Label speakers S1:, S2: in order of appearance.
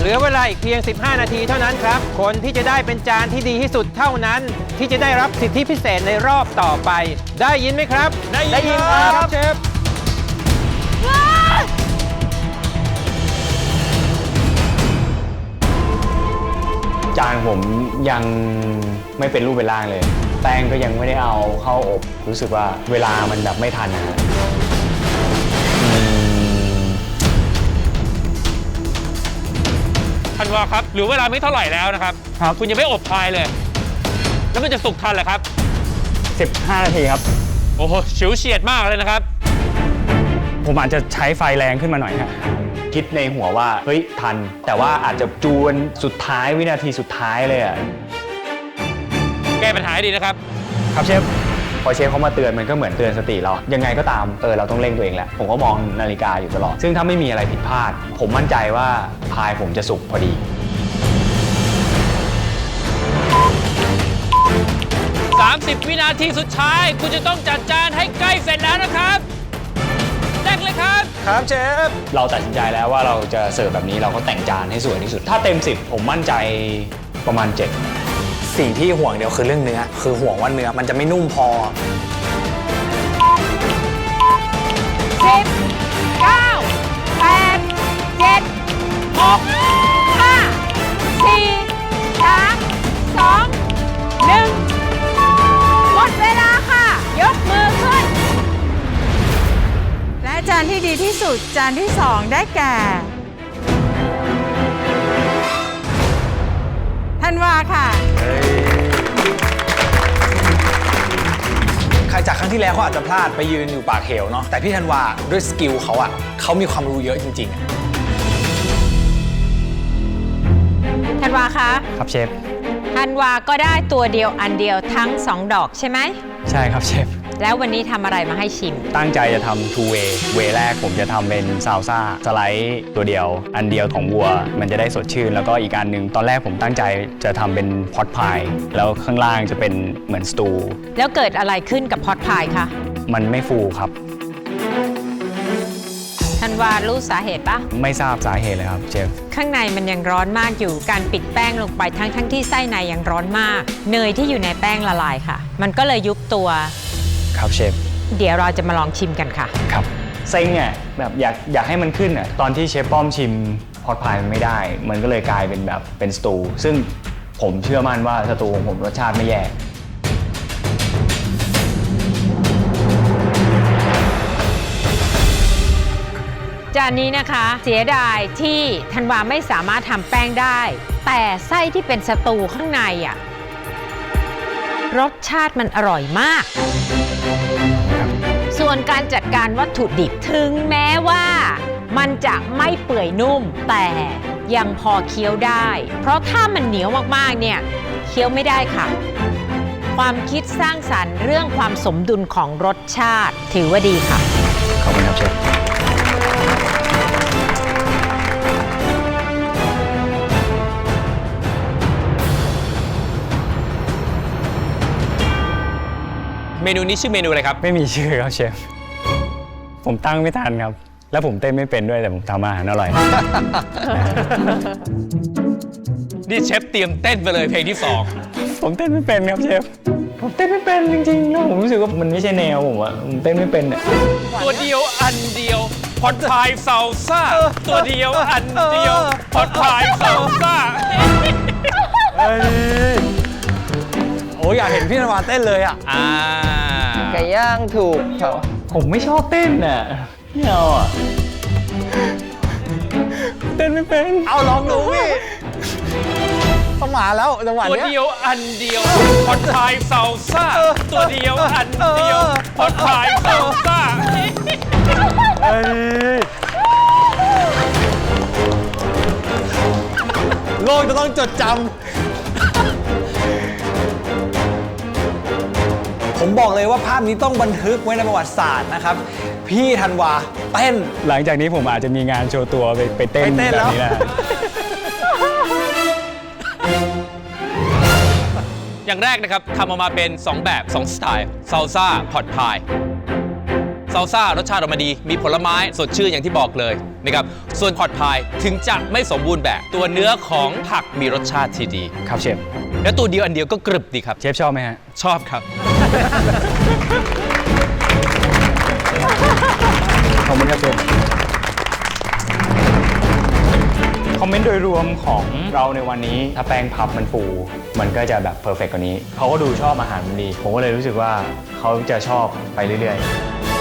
S1: เหลือเวลาอีกเพียง 15 นาทีเท่านั้นครับคนที่จะได้เป็นจานที่ดีที่สุดเท่านั้นที่จะได้รับสิทธิพิเศษในรอบต่อไปได้ยินไหมครับได้ยินครับเชฟ
S2: จานผมยังไม่เป็นรูปเป็นร่างเลยแป้งก็ยังไม่ได้เอาเข้าอบรู้สึกว่าเวลามันแบบไม่ทันนะ
S3: ธันวาครับเหลือเวลาไม่เท่าไหร่แล้วนะครับคุณยังไม่อบพายเลยแล้วมันจะสุกทันเหรอครับ
S2: 15 นาทีครับ
S3: โอ้โหฉิวเฉียดมากเลยนะครับ
S2: ผมอาจจะใช้ไฟแรงขึ้นมาหน่อยครับคิดในหัวว่าเฮ้ยทันแต่ว่าอาจจะจวนสุดท้ายวินาทีสุดท้ายเลยอ่ะ
S3: แก้ปัญหาให้ดีนะครับ
S2: ครับเชฟพอเชฟเขามาเตือนมันก็เหมือนเตือนสติเรายังไงก็ตามเราต้องเร่งตัวเองแหละผมก็มองนาฬิกาอยู่ตลอดซึ่งถ้าไม่มีอะไรผิดพลาดผมมั่นใจว่าพายผมจะสุกพอดี
S3: 30 วินาทีสุดท้ายคุณจะต้องจัดจานให้ใกล้เสร็จแล้วนะครับแรกเลยครับ
S2: ครับเชฟเราตัดสินใจแล้วว่าเราจะเสิร์ฟแบบนี้เราก็แต่งจานให้สวยที่สุดถ้าเต็ม10ผมมั่นใจประมาณ7
S4: สิ่งที่ห่วงเดียวคือเรื่องเนื้อคือห่วงว่าเนื้อมันจะไม่นุ่มพอ
S5: 10 9 8 7 6 5 4 3 2 1หมดเวลาค่ะยกมือขึ้นและจานที่ดีที่สุดจานที่2ได้แก่ธันวาค่ะ
S4: ใครจากครั้งที่แล้วเขาอาจจะพลาดไปยืนอยู่ปากเหวเนาะแต่พี่ธันวาด้วยสกิลเขาอะเขามีความรู้เยอะจริง
S5: ๆธันวาคะ
S2: ครับเชฟ
S5: ธันวาก็ได้ตัวเดียวอันเดียวทั้ง2ดอกใช่ไหม
S2: ใช่ครับเชฟ
S5: แล้ววันนี้ทำอะไรมาให้ชิม
S2: ตั้งใจจะทำ two way แรกผมจะทำเป็นซาลซ่าสไลด์ตัวเดียวอันเดียวของวัวมันจะได้สดชื่นแล้วก็อีกอันหนึ่งตอนแรกผมตั้งใจจะทำเป็นพอตพายแล้วข้างล่างจะเป็นเหมือนสตู
S5: แล้วเกิดอะไรขึ้นกับพอตพายคะ
S2: มันไม่ฟูครับ
S5: ธันวารู้สาเหตุปะ
S2: ไม่ทราบสาเหตุเลยครับเชฟ
S5: ข้างในมันยังร้อนมากอยู่การปิดแป้งลงไปทั้งที่ไส้ในยังร้อนมากเนยที่อยู่ในแป้งละลายค่ะมันก็เลยยุบตัว
S2: ครับเชฟ
S5: เดี๋ยวเราจะมาลองชิมกันค่ะ
S2: ครับเซ็งอ่ะแบบอยากให้มันขึ้นอ่ะตอนที่เชฟป้อมชิมพอตพายมันไม่ได้มันก็เลยกลายเป็นแบบเป็นสตูซึ่งผมเชื่อมั่นว่าสตูของผมรสชาติไม่แย่
S5: จานนี้นะคะเสียดายที่ธันวาไม่สามารถทำแป้งได้แต่ไส้ที่เป็นสตูข้างในอ่ะรสชาติมันอร่อยมากส่วนการจัดการวัตถุดิบถึงแม้ว่ามันจะไม่เปื่อยนุ่มแต่ยังพอเคี้ยวได้เพราะถ้ามันเหนียวมากๆเนี่ยเคี้ยวไม่ได้ค่ะความคิดสร้างสรรค์เรื่องความสมดุลของรสชาติถือว่าดีค่ะ
S2: ขอบคุณครับเชฟ
S3: เมนูนี้ชื่อเมนูอะไรครับ
S2: ไม่มีชื่อครับเชฟผมตั้งไม่ทันครับแล้วผมเต้นไม่เป็นด้วยแต่ผมทำอาหารอร่อย
S3: นี่เชฟเตรียมเต้นไปเลยเพลงที่
S2: 2ผมเต้นไม่เป็นครับเชฟผมเต้นไม่เป็นจริงๆแล้วผมรู้สึกว่ามันไม่ใช่แนวผมอะผมเต้นไม่เป็นเนี่ย
S3: ตัวเดียวอันเดียวพอตพายซาลซ่าตัวเดียวอันเดียวพอตพายซาลซ่า
S4: โอ้ยอยากเห็นพี่ธันวาเต้นเลยอ่ะ
S1: ไก่ย่างถูก
S2: ผมไม่ชอบเต้นน่ะไม่เอาอ่ะเต้นไม่เป็น
S4: เอาลองดูพี่ต้องมาแล้วจังหวะ
S3: นี้ตัวเดียวอันเดียวพอตพายซาลซ่าตัวเดียวอันเดียวพอตพายซาลซ่า
S4: โลกจะต้องจดจำผมบอกเลยว่าภาพนี้ต้องบันทึกไว้ในประวัติศาสตร์นะครับพี่ธันวาเต้น
S2: หลังจากนี้ผมอาจจะมีงานโชว์ตัวไปเต้นแบบนี้นะ
S3: อย่างแรกนะครับทำออกมาเป็น2แบบ2สไตล์ซาลซ่าพอตพายซาลซ่ารสชาติออกมาดีมีผลไม้สดชื่นอย่างที่บอกเลยนะครับส่วนพอตพายถึงจะไม่สมบูรณ์แบบตัวเนื้อของผักมีรสชาติที่ดี
S2: ครับเชฟ
S3: และตัวเดียวอันเดียวก็กรึบดีครับ
S2: เชฟชอบไหมฮะ
S3: ชอบครับ
S2: ขอบคุณครับเชฟคอมเมนต์โดยรวมของเราในวันนี้ถ้าแป้งพับมันฟูมันก็จะแบบเพอร์เฟกต์กว่านี้เขาก็ดูชอบอาหารมันดีผมก็เลยรู้สึกว่าเขาจะชอบไปเรื่อยๆ